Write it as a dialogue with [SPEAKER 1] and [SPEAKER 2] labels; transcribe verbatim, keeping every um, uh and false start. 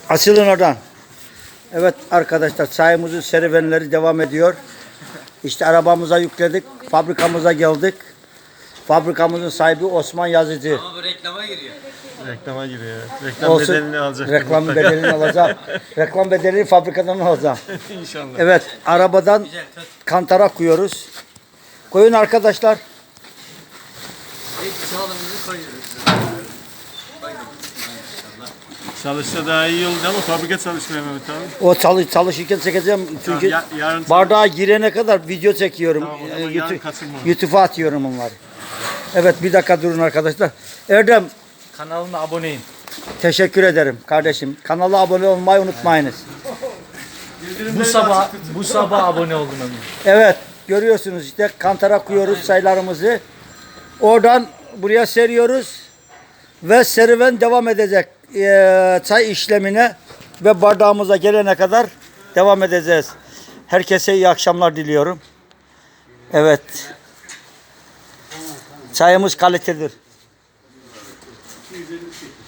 [SPEAKER 1] Açılın oradan. Evet arkadaşlar, çayımızın serüvenleri devam ediyor. İşte arabamıza yükledik. Fabrikamıza geldik. Fabrikamızın sahibi Osman Yazıcı.
[SPEAKER 2] Ama bu reklama giriyor.
[SPEAKER 3] Reklama giriyor. Reklam
[SPEAKER 1] Olsun.
[SPEAKER 3] bedelini alacak.
[SPEAKER 1] Reklam bedelini alacağım. Reklam bedelini fabrikadan alacağım.
[SPEAKER 3] İnşallah.
[SPEAKER 1] Evet, arabadan
[SPEAKER 2] Güzel. Tut.
[SPEAKER 1] kantara koyuyoruz. Koyun arkadaşlar.
[SPEAKER 2] İlk sağlığımızı koyuyoruz.
[SPEAKER 3] Çalışsa daha iyi oldu ama fabrika çalışmıyor Mehmet abi.
[SPEAKER 1] O çalış çalışırken çekeceğim çünkü
[SPEAKER 3] Ya- yarın
[SPEAKER 1] bardağa girene kadar video çekiyorum.
[SPEAKER 3] Tamam, o zaman
[SPEAKER 1] Ee,
[SPEAKER 3] yarın
[SPEAKER 1] YouTube,
[SPEAKER 3] katılma.
[SPEAKER 1] YouTube'a atıyorum onları. Evet, bir dakika durun arkadaşlar. Erdem,
[SPEAKER 4] Kanalıma aboneyim.
[SPEAKER 1] teşekkür ederim kardeşim. Kanala abone olmayı unutmayınız.
[SPEAKER 4] Bu sabah bu sabah abone oldum Ömür.
[SPEAKER 1] Evet, görüyorsunuz işte kantara koyuyoruz çaylarımızı. Oradan buraya seriyoruz ve serüven devam edecek. Ee, çay işlemine ve bardağımıza gelene kadar devam edeceğiz. Herkese iyi akşamlar diliyorum. Evet. Çayımız kalitedir.